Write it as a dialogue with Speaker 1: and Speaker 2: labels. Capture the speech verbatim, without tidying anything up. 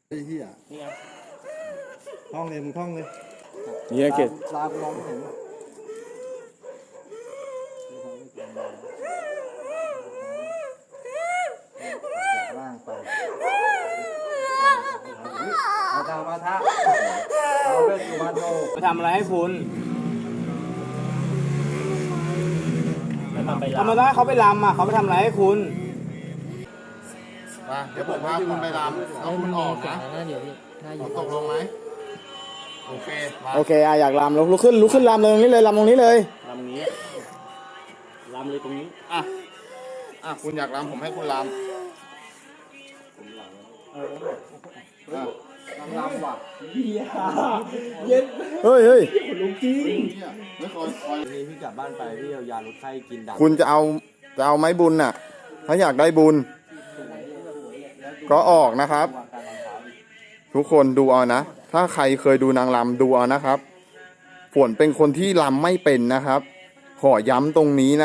Speaker 1: ไอ้เหี้ยท่องเลยมึงท่องเลย
Speaker 2: เนี่ยเกต
Speaker 1: ลากูมองไม่เห็นจากล่างไปมาทามาทาเอาเวทสุวรรณโน
Speaker 2: มาทำอะไรให้คุณธรรมดาเขาไปรำอ่ะเขาไปทำอะไรให้คุณ
Speaker 3: มาเดี๋ยวผมพาคุณไปรำเอาคุณออกนะ
Speaker 4: น่าอยู่พี่น่าอยู่
Speaker 3: ตกลงไหมโอเคมา
Speaker 2: โอเคอ่ะอยากรำลุกขึ้นลุกขึ้นรำเลยตรงนี้เลยรำตรงนี้เลยรำนี้รำเลยตรงนี้
Speaker 3: อ่ะอ่ะคุณอยากรำผมให้คุณรำอ่ะ
Speaker 1: ลำลำว่ะ
Speaker 2: เฮ้ยเฮ้ย
Speaker 3: เนี่ยไม่คอยคอย
Speaker 1: นี่พี่กลับบ้านไปพี่เอายาลดไข้กินดับ
Speaker 2: คุณจะเอาจะเอาไม้บุญน่ะ ถ้าอยากได้บุญ ก็ออกนะครับ ทุกคนดูเอานะ ถ้าใครเคยดูนางรำดูเอานะครับฝนเป็นคนที่รำไม่เป็นนะครับ ขอย้ำตรงนี้นะ